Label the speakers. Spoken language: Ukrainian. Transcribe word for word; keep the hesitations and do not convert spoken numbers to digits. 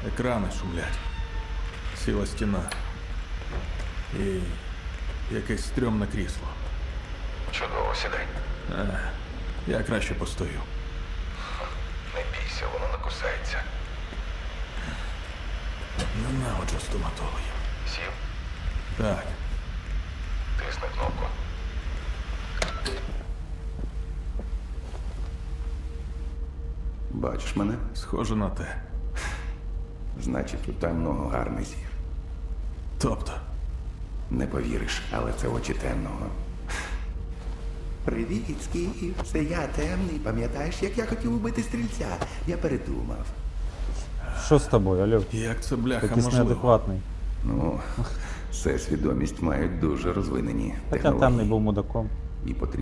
Speaker 1: Екрани шумлять. Сіла стіна. І якесь стрьомне крісло.
Speaker 2: Чудово, сідай.
Speaker 1: А, я краще постою.
Speaker 2: Не бійся, воно не кусається.
Speaker 1: Ненавиджу стоматологів.
Speaker 2: Сів,
Speaker 1: Так,
Speaker 2: тисни кнопку. Бачиш мене?
Speaker 1: схоже на те.
Speaker 2: Значить, у темного гарний зір.
Speaker 1: Тобто,
Speaker 2: Не повіриш, але це очі темного.
Speaker 3: Привіт, Скіф. Це я темний. Пам'ятаєш, як я хотів убити стрільця? Я передумав.
Speaker 4: Що з тобою, Альов?
Speaker 1: як це бляха
Speaker 4: Якийсь
Speaker 1: можливо?
Speaker 4: неадекватний.
Speaker 2: Ну, все свідомість мають дуже розвинені
Speaker 4: Хоча
Speaker 2: технології.
Speaker 4: темний був мудаком.
Speaker 2: І потрібно